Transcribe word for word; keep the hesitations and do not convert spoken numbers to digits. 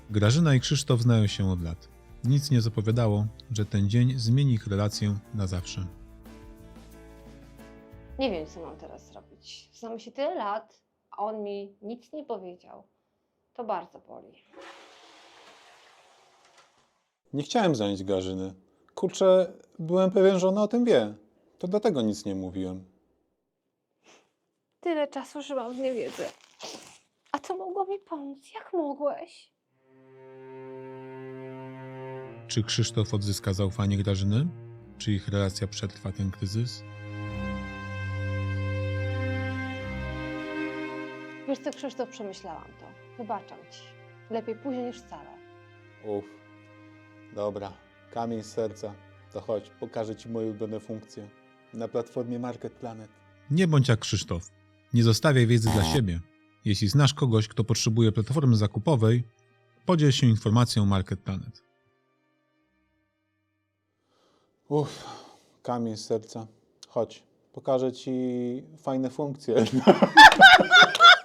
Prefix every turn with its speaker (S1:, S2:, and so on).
S1: Grażyna i Krzysztof znają się od lat. Nic nie zapowiadało, że ten dzień zmieni ich relację na zawsze.
S2: Nie wiem, co mam teraz zrobić. Znamy się tyle lat, a on mi nic nie powiedział. To bardzo boli.
S3: Nie chciałem zranić Grażyny. Kurczę, byłem pewien, że ona o tym wie. To dlatego nic nie mówiłem.
S2: Tyle czasu, że mam w niewiedzy. A to mogło mi pomóc. Jak mogłeś?
S1: Czy Krzysztof odzyska zaufanie Grażyny? Czy ich relacja przetrwa ten kryzys?
S2: Wiesz co, Krzysztof, przemyślałam to. Wybaczam ci. Lepiej później niż wcale.
S3: Uff. Dobra, kamień z serca. To chodź, pokażę Ci moje ulubione funkcje. Na platformie Market Planet.
S1: Nie bądź jak Krzysztof. Nie zostawiaj wiedzy dla siebie. Jeśli znasz kogoś, kto potrzebuje platformy zakupowej, podziel się informacją Market Planet.
S3: Uff, kamień z serca. Chodź, pokażę Ci fajne funkcje.